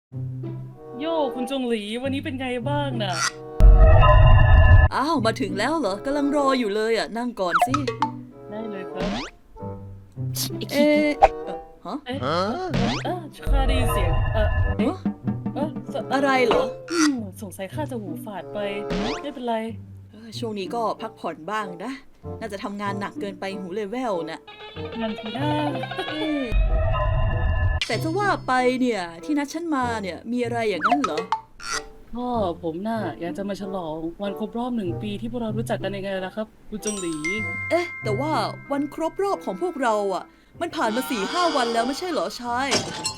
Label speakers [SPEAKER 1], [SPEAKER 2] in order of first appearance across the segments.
[SPEAKER 1] โย่คุณจงหลีวันนี้เป็นไงบ้างน่ะ
[SPEAKER 2] อ้าวมาถึงแล้วเหรอกำลังรออยู่เลยอ่ะนั่งก่อนสิ
[SPEAKER 1] ได้เลยครับ
[SPEAKER 2] เอ๊ะฮะ
[SPEAKER 1] เอ๊ะข้าได้ยินเสียงเอ๊ะ
[SPEAKER 2] อะไรเหรอ
[SPEAKER 1] สงสัยข้าจะหูฝาดไปไม่เป็นไร
[SPEAKER 2] ช่วงนี้ก็พักผ่อนบ้างนะน่าจะทำงานหนักเกินไปหูเลเวลนะ
[SPEAKER 1] งานทีหน้า
[SPEAKER 2] แต่จะว่าไปเนี่ยที่นัดฉันมาเนี่ยมีอะไรอย่างนั้นเหรอ
[SPEAKER 1] พ่อผมน่ะอยากจะมาฉลองวันครบรอบ1 ปีที่พวกเรารู้จักกันยังไงล่ะครับคุณจงหลี
[SPEAKER 2] แต่ว่าวันครบรอบของพวกเราอ่ะมันผ่านมา4-5 วันแล้วไม่ใช่เหรอชาย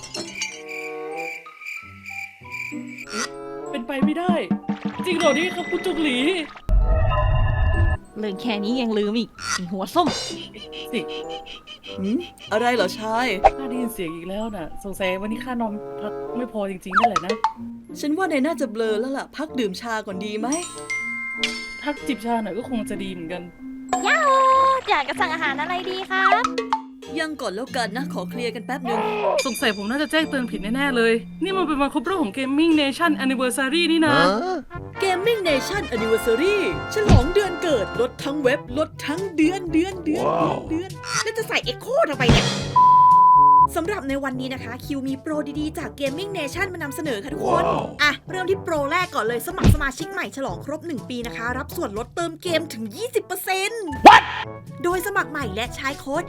[SPEAKER 1] เป็นไปไม่ได้จริงเหรอนี่ครับคุณจงหลี
[SPEAKER 3] เรื่องแค่นี้ยังลืมอีกหัวส้ม
[SPEAKER 1] สิ
[SPEAKER 2] อะไรเหรอชาย
[SPEAKER 1] ข้าได้ยินเสียงอีกแล้วน่ะสงสัยวันนี้ข้านอนพักไม่พอจริงๆนั่นแหละนะ
[SPEAKER 2] ฉันว่านายน่าจะเบลอแล้วล่ะพักดื่มชาก่อนดีไหม
[SPEAKER 1] พักจิบชาหน่อยก็คงจะดีเหมือนกัน
[SPEAKER 3] ย่าอยากจะสั่งอาหารอะไรดีครับ
[SPEAKER 2] ยังก่อนแล้วกันนะขอเคลียร์กันแป๊บนึง
[SPEAKER 1] สงสัยผมน่าจะแจ้งเตือนผิดแน่ๆเลยนี่มันเป็นวันครบรอบของ Gaming Nation Anniversary นี่นะ
[SPEAKER 2] Gaming Nation Anniversary ฉลองเดือนเกิดลดทั้งเว็บลดทั้งเดือน
[SPEAKER 4] แล้วจะใส่เอ็กโคทำไมเนี่ยสำหรับในวันนี้นะคะคิวมีโปรดีๆจาก Gaming Nation มานำเสนอค่ะทุกคนเริ่มที่โปรแรกก่อนเลยสมัครสมาชิกใหม่ฉลองครบ1 ปีนะคะรับส่วนลดเติมเกมถึง 20% What? โดยสมัครใหม่และใช้โค้ด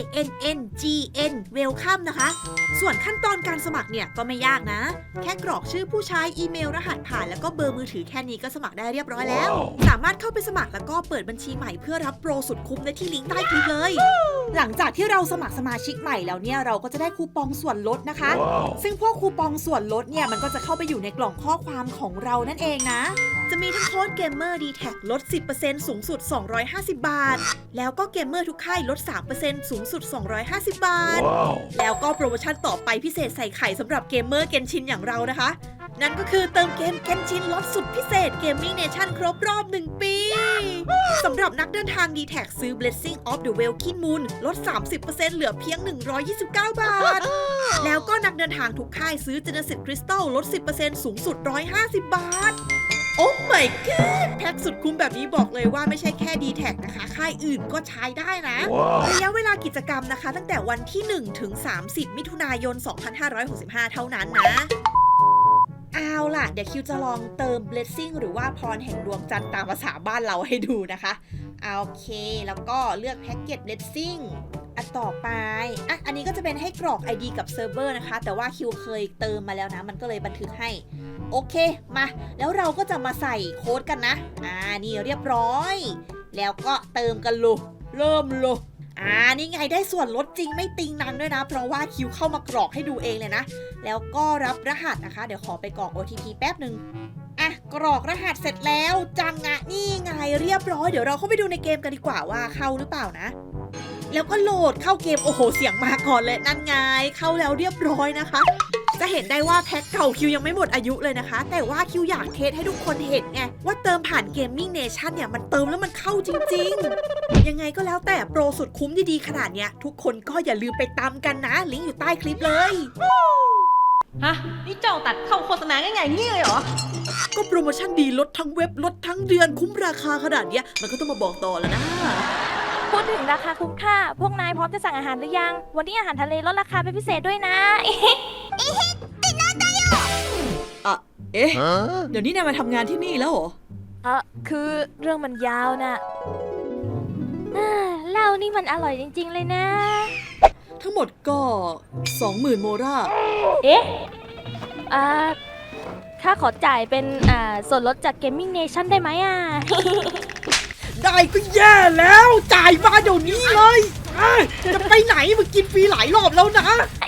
[SPEAKER 4] ANNGN Welcome นะคะส่วนขั้นตอนการสมัครเนี่ยก็ไม่ยากนะแค่กรอกชื่อผู้ใช้อีเมลรหัสผ่านแล้วก็เบอร์มือถือแค่นี้ก็สมัครได้เรียบร้อยแล้วสามารถเข้าไปสมัครแล้วก็เปิดบัญชีใหม่เพื่อรับโปรสุดคุ้มได้ที่ลิงก์ใต้คลิปเลยหลังจากที่เราสมัครสมาชิกใหม่แล้วเนี่ยเราก็จะได้คูปองส่วนลดนะคะ ซึ่งพวกคูปองส่วนลดเนี่ยมันก็จะเข้าไปอยู่ในกล่องข้อความของเรานั่นเองนะจะมีทั้งโค้ดเกมเมอร์ D-Tag ลด 10% สูงสุด250 บาทแล้วก็เกมเมอร์ทุกค่ายลด 3% สูงสุด250 บาทแล้วก็โปรโมชั่นต่อไปพิเศษใส่ไข่สำหรับเกมเมอร์เกนชินอย่างเรานะคะนั่นก็คือเติมเกมเกนชินลดสุดพิเศษ Gaming Nation ครบรอบ1 ปีสำหรับนักเดินทาง D-Tag ซื้อ Blessing of the Welkin Moon ลด 30% เหลือเพียง129 บาทแล้วก็นักเดินทางทุกค่ายซื้อ Genesis Crystal ลด 10% สูงสุด150 บาทโอ้ my god แพ็คสุดคุ้มแบบนี้บอกเลยว่าไม่ใช่แค่ D-Tag นะคะค่ายอื่นก็ใช้ได้นะ ระยะเวลากิจกรรมนะคะตั้งแต่วันที่1ถึง30มิถุนายน2565เท่านั้นนะเอาล่ะเดี๋ยวคิวจะลองเติม blessing หรือว่าพรแห่งดวงจันทร์ตามภาษาบ้านเราให้ดูนะคะโอเคแล้วก็เลือกแพ็กเกจ blessing ต่อไปอันนี้ก็จะเป็นให้กรอก ID กับเซิร์ฟเวอร์นะคะแต่ว่าคิวเคยเติมมาแล้วนะมันก็เลยบันทึกให้โอเคมาแล้วเราก็จะมาใส่โค้ดกันนะนี่เรียบร้อยแล้วก็เติมกันเลยเริ่มเลยนี่ไงได้ส่วนลดจริงไม่ติงนังด้วยนะเพราะว่าคิวเข้ามากรอกให้ดูเองเลยนะแล้วก็รับรหัสนะคะเดี๋ยวขอไปกรอก OTP แป๊บหนึ่งกรอกรหัสเสร็จแล้วจังนี่ไงเรียบร้อยเดี๋ยวเราเข้าไปดูในเกมกันดีกว่าว่าเข้าหรือเปล่านะแล้วก็โหลดเข้าเกมโอ้โหเสียงมาก่อนเลยนั่นไงเข้าแล้วเรียบร้อยนะคะจะเห็นได้ว่าแพ็คเก่าคิวยังไม่หมดอายุเลยนะคะแต่ว่าคิวอยากเทสให้ทุกคนเห็นไงว่าเติมผ่าน Gaming Nation เนี่ยมันเติมแล้วมันเข้าจริงๆยังไงก็แล้วแต่โปรสุดคุ้มดีๆขนาดเนี้ยทุกคนก็อย่าลืมไปตามกันนะลิงก์อยู่ใต้คลิปเลย
[SPEAKER 3] ฮะนี่เจ้าตัดเข้าโฆษณาง่ายๆงี้เลยเหรอ
[SPEAKER 2] ก็โปรโมชั่นดีลดทั้งเว็บลดทั้งเดือนคุ้มราคาขนาดเนี้ยมันก็ต้องมาบอกต่อแล้วนะ
[SPEAKER 3] พูดถึงราคาคุ้มค่าพวกนายพร้อมจะสั่งอาหารหรือยังวันนี้อาหารทะเลลดราคาเป็นพิเศษด้วยนะ
[SPEAKER 2] เดี๋ยวนี้นายมาทำงานที่นี่แล้วเหรอ
[SPEAKER 3] คือเรื่องมันยาวน่ะเหล้านี่มันอร่อยจริงๆเลยนะ
[SPEAKER 2] ทั้งหมดก็ 20,000 โมรา
[SPEAKER 3] ข้าขอจ่ายเป็นส่วนลดจาก Gaming Nation ได้ไหม
[SPEAKER 4] ได้ก็แย่แล้วจ่ายมาเดี๋ยวนี้เลยจะไปไหนมึงกินฟรีหลายรอบแล้วนะ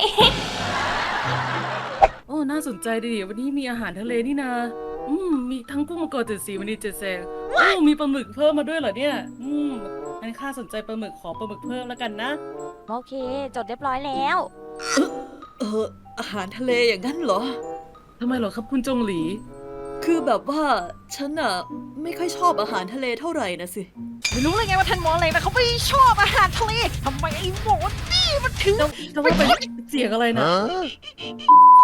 [SPEAKER 1] โอ้น่าสนใจดีวันนี้มีอาหารทะเลนี่นามีทั้งกุ้งมังกร7 สีมณี7 แสงมีปลาหมึกเพิ่มมาด้วยเหรอเนี่ยงั้นข้าสนใจปลาหมึกขอปลาหมึกเพิ่มแล้วกันนะ
[SPEAKER 3] โอเคจดเรียบร้อยแล้ว
[SPEAKER 2] อาหารทะเลอย่างนั้นเหรอ
[SPEAKER 1] ทำไมเหรอครับคุณจงหลี
[SPEAKER 2] คือแบบว่าฉันไม่ค่อยชอบอาหารทะเลเท่าไหร่นะสิ
[SPEAKER 4] ไม่รู้เลยไงว่าท่านหมออะไรนะเขาไม่ชอบอาหารทะเลทำไมไอ้หมอนี่มันถึง
[SPEAKER 1] จะว่าเป็นเสียงอะไรนะ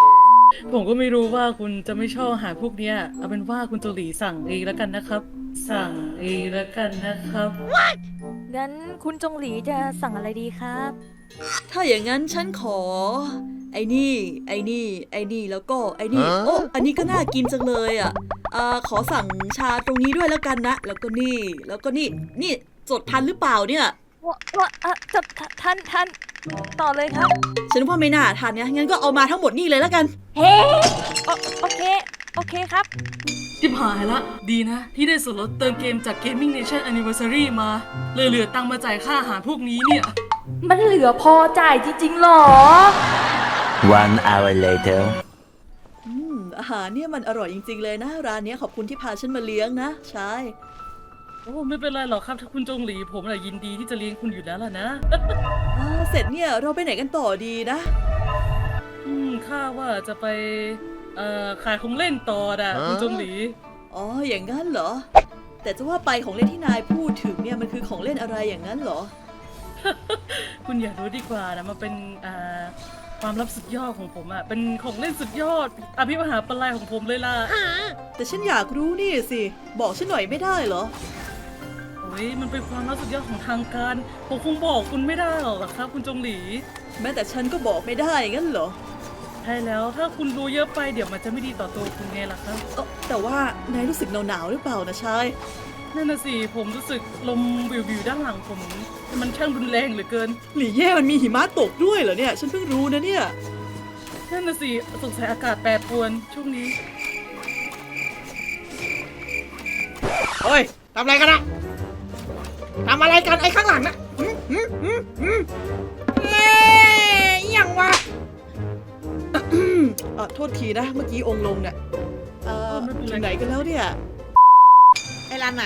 [SPEAKER 1] ผมก็ไม่รู้ว่าคุณจะไม่ชอบอาหารพวกเนี้ยเอาเป็นว่าคุณโจหลีสั่งเองแล้วกันนะครับ สั่งเองแล้วกันนะครับ
[SPEAKER 3] งั้นคุณจงหลีจะสั่งอะไรดีครับ
[SPEAKER 2] ถ้าอย่างนั้นฉันขอ ไอ้นี่ ไอ้นี่ ไอ้นี่แล้วก็ไอ้นี่ โอ้อันนี้ก็น่ากินจังเลยอ่ะขอสั่งชาตรงนี้ด้วยแล้วกันนะ แล้วก็นี่ แล้วก็นี่ นี่จดทันหรือเปล่าเนี่ย
[SPEAKER 3] ว่าจะท่านต่อเลยครับ
[SPEAKER 2] ฉันว่าไม่น่าทันเนี่ยงั้นก็เอามาทั้งหมดนี่เลยแล้วกัน
[SPEAKER 3] เฮ้โอเคครับ
[SPEAKER 1] จิบหายละ ดีนะ ที่ได้ส่วนลดเติมเกมจาก Gaming Nation Anniversary มาเลยเหลือตังค์มาจ่ายค่าอาหารพวกนี้เนี่ย
[SPEAKER 3] มันเหลือพอจ่ายจริงๆหรอ
[SPEAKER 5] One hour later.
[SPEAKER 2] อาหารเนี่ยมันอร่อยจริงๆเลยนะ ร้านเนี้ยขอบคุณที่พาฉันมาเลี้ยงนะใช่
[SPEAKER 1] โอ้ไม่เป็นไรหรอกครับถ้าคุณจงหลีผมน่ะยินดีที่จะเลี้ยงคุณอยู่แล้วล่ะนะ
[SPEAKER 2] เสร็จเนี่ยเราไปไหนกันต่อดีนะ
[SPEAKER 1] ข้าว่าจะไปขายของเล่นต่อนะคุณจงหลี
[SPEAKER 2] อ๋ออย่างนั้นเหรอ แต่จะว่าไปของเล่นที่นายพูดถึงเนี่ยมันคือของเล่นอะไรอย่างนั้นเหรอ
[SPEAKER 1] คุณอยากรู้ดีกว่านะมันเป็นความลับสุดยอดของผมอะเป็นของเล่นสุดยอดอภิมหาปลัยของผมเลยล่ะ
[SPEAKER 2] แต่ฉันอยากรู้นี่สิ บอกฉันหน่อยไม่ได้เหรอ
[SPEAKER 1] โอ้ยมันเป็นความลับสุดยอดของทางการผมคงบอกคุณไม่ได้หรอกครับ คุณจงหลี
[SPEAKER 2] แม้แต่ฉันก็บอกไม่ได้งั้นเหรอ
[SPEAKER 1] ใช่แล้วถ้าคุณรู้เยอะไปเดี๋ยวมันจะไม่ดีต่อตัวคุณไงล่ะครับ
[SPEAKER 2] แต่ว่านายรู้สึกหนาวๆหรือเปล่านะชาย
[SPEAKER 1] นั่นน่ะสิผมรู้สึกลมวิวๆด้านหลังผมมันช่างรุนแรงเหลือเกิน
[SPEAKER 2] หลี่เย่มันมีหิมะตกด้วยเหรอเนี่ย ฉันเพิ่งรู้นะเนี่ย
[SPEAKER 1] นั่นน่ะสิสงสัยอากาศแปรปรวนช่วงนี้
[SPEAKER 4] เฮ้ยทำอะไรกันอะทำอะไรกันไอ้ข้างหลังนะเอ๊ะอิหยังวะ
[SPEAKER 2] โทษทีนะ เมื่อกี้องค์ลงเนี่ย
[SPEAKER 1] ไม่เป็นไร
[SPEAKER 2] ถึงไหนกันแล้วเนี่ย
[SPEAKER 4] ไอ้รันน่ะ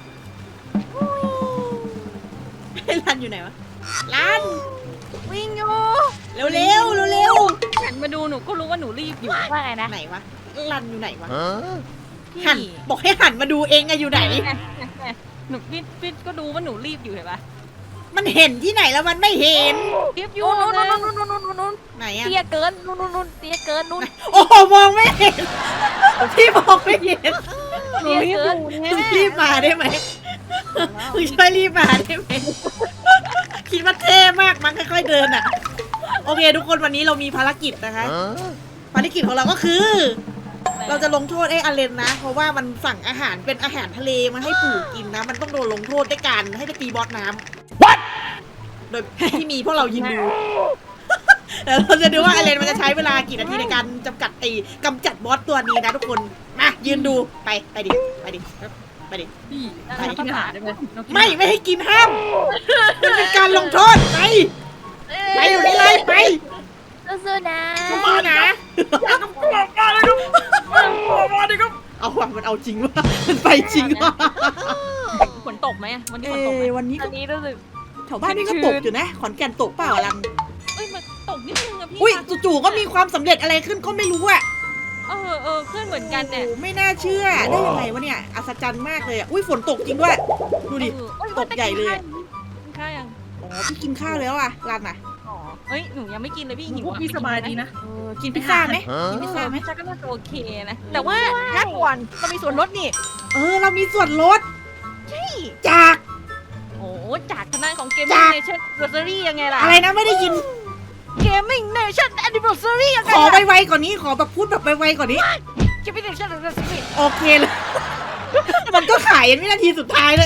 [SPEAKER 4] ไอ้รันอยู่ไหนวะรัน
[SPEAKER 3] วิ่งอยู่
[SPEAKER 4] เร็วเร็วเร็วเร็ว
[SPEAKER 6] หันมาดูหนูก็รู้ว่าหนูรีบอยู่
[SPEAKER 3] ว่าไงนะ
[SPEAKER 4] ไหนวะรันอยู่ไหนวะ
[SPEAKER 6] พี่
[SPEAKER 4] หันบอกให้หันมาดูเองอะอยู่ไหน
[SPEAKER 6] หนูพี่ก็ดูว่าหนูรีบอยู่เห็นปะ
[SPEAKER 4] มันเห็นที่ไหนแล้วมันไม่เห็น
[SPEAKER 6] รีบอยู่
[SPEAKER 3] นู่น
[SPEAKER 6] นะ
[SPEAKER 3] นู่น
[SPEAKER 4] ไหนอะ
[SPEAKER 3] เตี้ยเกินนู่นเตี้ยเกินนู่น
[SPEAKER 4] โอ้โหมองไม่เห็นพี่มองไม่เห็น
[SPEAKER 6] หนูรีบอยู่
[SPEAKER 4] มึงรีบมาได้ไหมมึงช่วยรีบมาได้ไหมคิดว่าเท่มากมันค่อยๆเดินอะโอเค ทุกคนวันนี้เรามีภารกิจนะคะ ภารกิจของเราก็คือ เราจะลงโทษไอ้อเลนนะ เพราะว่ามันสั่งอาหารเป็นอาหารทะเลมาให้ปู่กินนะ มันต้องโดนลงโทษด้วยการให้ไปตีบอสน้ำ What โดยที่มีพวกเรายืนดูแต่เราจะดูว่าอเลนมันจะใช้เวลากี่นาทีในการกำจัดบอสตัวนี้นะทุกคนมายืนดูไปดิไปดิไปดิ
[SPEAKER 1] พี่เรากินอาหารได้ไหมเรากินอาหาร
[SPEAKER 4] ไม่ให้กินห้ามมันเป็นการลงโทษไปอยู่ในไลน์ไป
[SPEAKER 3] สู้ๆนะ
[SPEAKER 4] มานะ
[SPEAKER 1] มาเลยครับ
[SPEAKER 4] เอาว่ะมันเอาจริงว่ะมันไปจริงว่ะ
[SPEAKER 6] ฝนตกไหมวันนี้ฝนตกไหม
[SPEAKER 4] วันนี้
[SPEAKER 3] อันนี้รู้สึก
[SPEAKER 4] แถวบ้านนี่ก็ตกอยู่นะ ขอนแก่นตกเปล่าลัน
[SPEAKER 6] เอ้ยมันตกนิดนึงอะพี่
[SPEAKER 4] อุ้ยจู่ๆก็มีความสำเร็จอะไรขึ้นก็ไม่รู้อะ
[SPEAKER 6] เพื่อนเหมือนกันเนี่ย
[SPEAKER 4] โอ้ไม่น่าเชื่อได้ยังไงวะเนี่ยอัศจรรย์มากเลยอะอุ้ยฝนตกจริงด้วยดูดิ ตกใหญ่เลยอะ
[SPEAKER 6] กินข้าวยัง
[SPEAKER 4] อ๋อพี่กินข้าวแล้วอะลันอะ
[SPEAKER 6] อ๋อเอ้ยหนูยังไม่กินเลยพี่หิว
[SPEAKER 1] พวก
[SPEAKER 6] อะ
[SPEAKER 1] พี่สบายดีนะ
[SPEAKER 4] กินพิซซ่าไหมกินพิซซ่าไหม
[SPEAKER 6] พิซซ่าก็น่าจะโอเคนะแต่ว่าถ้าก่อนเรามีส่วนลดนี่
[SPEAKER 4] เรามีส่วนลดจาก
[SPEAKER 6] โอ้จากทางด้านของเกม
[SPEAKER 4] จาก
[SPEAKER 6] เนชั่นแอนนิเวอร์ซารียังไงล่ะ
[SPEAKER 4] อะไรนะไม่ได้ยิน
[SPEAKER 6] เกมมิ่งเนชั่นแอนนิเวอร์ซารียังไง
[SPEAKER 4] ขอ
[SPEAKER 6] ล่ะ
[SPEAKER 4] ไวๆกว่อนนี้ขอแบบพูดแบบไวๆกว่อนนี้
[SPEAKER 6] เกมมิ่งเนชั่นแอนนิเวอร์ซารี
[SPEAKER 4] โอเคเลย มันก็ขายยันวินาทีสุดท้ายเลย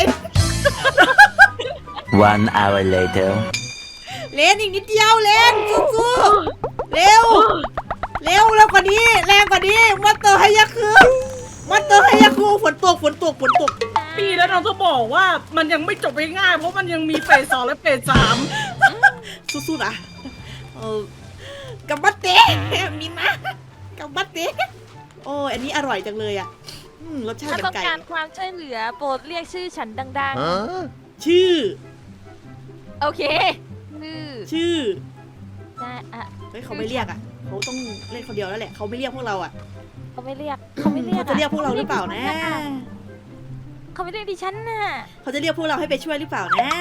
[SPEAKER 5] 1 hour later.
[SPEAKER 4] เลนอีกนิดเดียวเลนสู้ๆเร็วแล้วกว่านี้แรงกว่านี้มอเตอร์ให้ยักษ์คือมอเตอร์ให้ยักษ์คือฝนตก
[SPEAKER 1] พี่แล้วเราจะบอกว่ามันยังไม่จบง่ายๆเพราะมันยังมีเฟส 2และเฟส 3
[SPEAKER 4] สู้ๆนะกัมบัตเตะมีมากัมบัตเตะโอ้อันนี้อร่อยจังเลยอ่ะรสชาติ
[SPEAKER 3] ถ้า
[SPEAKER 4] เป็น
[SPEAKER 3] ต้อง
[SPEAKER 4] ไก่
[SPEAKER 3] การความช่วยเหลือโปรดเรียกชื่อฉันดัง
[SPEAKER 4] ชื่อ
[SPEAKER 3] ๆ โอเค
[SPEAKER 4] ชื่อ
[SPEAKER 3] ได้อะ
[SPEAKER 4] เฮ้ยเขาไม่เรียกอ่ะเขาต้องเล่นคนเดียวแล้วแหละเขาไม่เรียกพวกเราอ่ะ
[SPEAKER 3] เขาไม่เรียก
[SPEAKER 4] เขาจะเรียกพวกเราหรือเปล่านะ
[SPEAKER 3] เขาไม่เรียกดิฉันน่ะ
[SPEAKER 4] เขาจะเรียกพวกเราให้ไปช่วยหรือเปล่านะ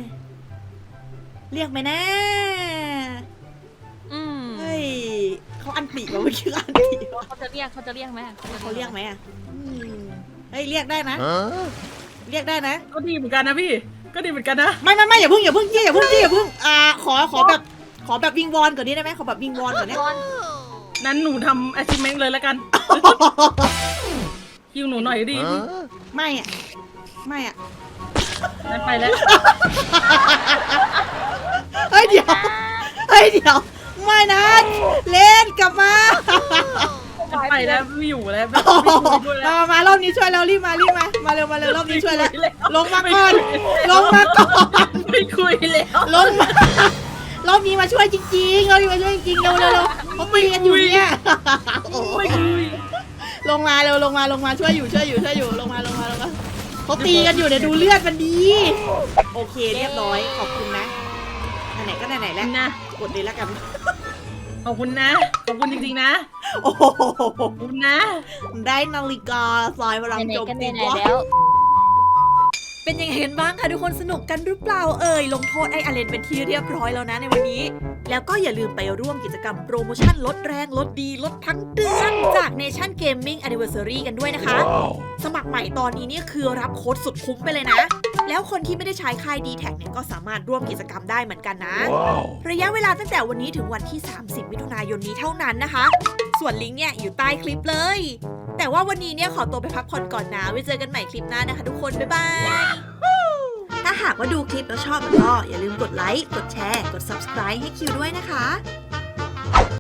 [SPEAKER 4] เรียกไหมนะ
[SPEAKER 6] อืม
[SPEAKER 4] เฮ้ยเขาเขาอันติเหรอเมื่อกี้อันติเหรอ
[SPEAKER 6] เขาจะเรียกไหม
[SPEAKER 4] เขาเรียกไหมอ่ะเฮ้ยเรียกได้นะ เรียกได้นะ
[SPEAKER 1] ก็ดีเหมือนกันนะพี่ ก็ดีเหมือนกันนะ
[SPEAKER 4] ไม่อย่าเพิ่งขอแบบวิงวอนก่อนนี้ได้ไหมขอแบบวิงวอนก่อนเนี่ย
[SPEAKER 1] นั้นหนูทำ achievement เลยแล้วกัน คิวหนูหน่อยดิ
[SPEAKER 4] ไม่อ่ะ
[SPEAKER 1] นั้นไปแล้ว
[SPEAKER 4] เฮ้ยเดี๋ยวไม่นะเล่นกลับมา
[SPEAKER 1] นั้นไปแล้วไม่อยู่แล้วไม่คุยด้วยแล้ว
[SPEAKER 4] มารอบนี้ช่วยแล้วรีบมาเร็วรอบนี้ช่วยแล้ว
[SPEAKER 1] ไม่คุ
[SPEAKER 4] ลงมาก่อนลงมาก่อน
[SPEAKER 1] ไม่คุยแล้ว
[SPEAKER 4] ลงมารอบนี้มาช่วยจริงๆเร็วเขาตีกันอยู่เนี่ย
[SPEAKER 1] ไม่คุย
[SPEAKER 4] ลงมาช่วยอยู่ลงมาเขาตีกันอยู่เนี่ยดูเลือดมันดีโอเคเรียบร้อยขอบคุณนะไหนๆก็ไหนๆแล้ว
[SPEAKER 1] นะ
[SPEAKER 4] กดเลยแล้วกัน
[SPEAKER 1] ขอบคุณนะ ขอบคุณจริงๆนะ
[SPEAKER 4] โอ้โห
[SPEAKER 1] ขอบคุณนะ
[SPEAKER 4] ได้นาฬิกาสายพลัง
[SPEAKER 3] ไหน
[SPEAKER 4] โจม
[SPEAKER 3] ๆกัน
[SPEAKER 4] ตี
[SPEAKER 3] ไหนๆแล้ว
[SPEAKER 2] เป็นยังไงกันบ้างคะทุกคนสนุกกันหรือเปล่าลงโทษไอ้อเลนเป็นที่เรียบร้อยแล้วนะในวันนี้
[SPEAKER 4] แล้วก็อย่าลืมไปร่วมกิจกรรมโปรโมชั่นลดแรงลดดีลดทั้งเดือนจาก Nation Gaming Anniversary กันด้วยนะคะ สมัครใหม่ตอนนี้เนี่ยคือรับโค้ดสุดคุ้มไปเลยนะ แล้วคนที่ไม่ได้ใช้ค่าย D-Tag เนี่ยก็สามารถร่วมกิจกรรมได้เหมือนกันนะ ระยะเวลาตั้งแต่วันนี้ถึงวันที่ 30 มิถุนายนนี้เท่านั้นนะคะ ส่วนลิงก์เนี่ยอยู่ใต้คลิปเลย แต่ว่าวันนี้เนี่ยขอตัวไปพักผ่อนก่อนนะไว้เจอกันใหม่คลิปหน้านะคะทุกคน บ๊ายบาย ถ้าหากว่าดูคลิปแล้วชอบก็อย่าลืมกดไลค์ กดแชร์ กด subscribe ให้คิวด้วยนะคะ